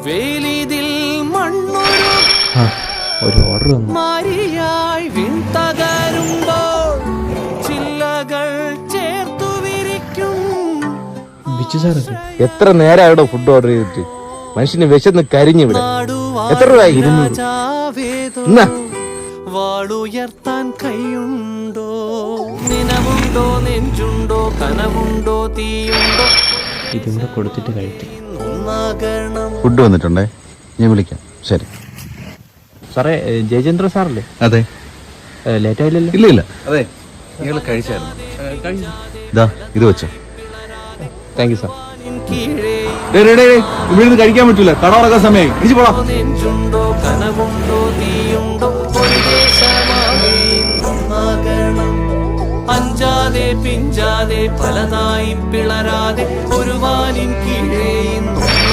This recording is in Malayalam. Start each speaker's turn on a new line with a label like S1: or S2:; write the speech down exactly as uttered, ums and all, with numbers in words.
S1: വേലിതിൽ മണ്ണൊരു
S2: ഒരു ഓർഡർ വന്നു.
S1: മാരിയായി വിൺതകരുമ്പോൾ ചില്ലകൾ ചേർത്തു വിരിക്കും.
S2: ബിച്ചു സാറൊക്കെ
S3: എത്ര നേരമായിടോ ഫുഡ് ഓർഡർ ചെയ്തിട്ട്? മനുഷ്യന് വിശന്ന് കരിഞ്ഞിവിടെ. എത്ര രൂപ? ഇരുന്നൂറ്.
S1: വാളുയർത്താൻ കൈയുണ്ടോ? നിനവുണ്ടോ? നെഞ്ചുണ്ടോ? കനവുണ്ടോ? തീയുണ്ടോ?
S2: ഇതും കൂടെ കൊടുത്തിട്ട് കഴിക്കും.
S4: ഫുഡ് വന്നിട്ടുണ്ടേ, ഞാൻ വിളിക്കാം. ശരി
S2: സാറേ, ജയചന്ദ്ര സാറല്ലേ?
S4: അതെ.
S2: ലേറ്റ് ആയില്ലല്ലോ?
S4: ഇല്ല ഇല്ല. അതെ, നിങ്ങൾ കഴിച്ചായിരുന്നു. ഇതാ ഇത് വെച്ചോ.
S2: Thank you sir.
S4: ഇവിടെ കഴിക്കാൻ പറ്റൂല, കട ഉറക്കാൻ സമയമായി. ഇടിച്ചു പോടാ.
S1: നെഞ്ചുണ്ടോ? കനവുണ്ടോ? തീയുണ്ടോ? ഒരു ദേശമാകെ ഒന്നാകണം. അഞ്ചാതെ പിഞ്ചാതെ പലതായി പിളരാതെ ഒരു വാനിൻ കീഴേ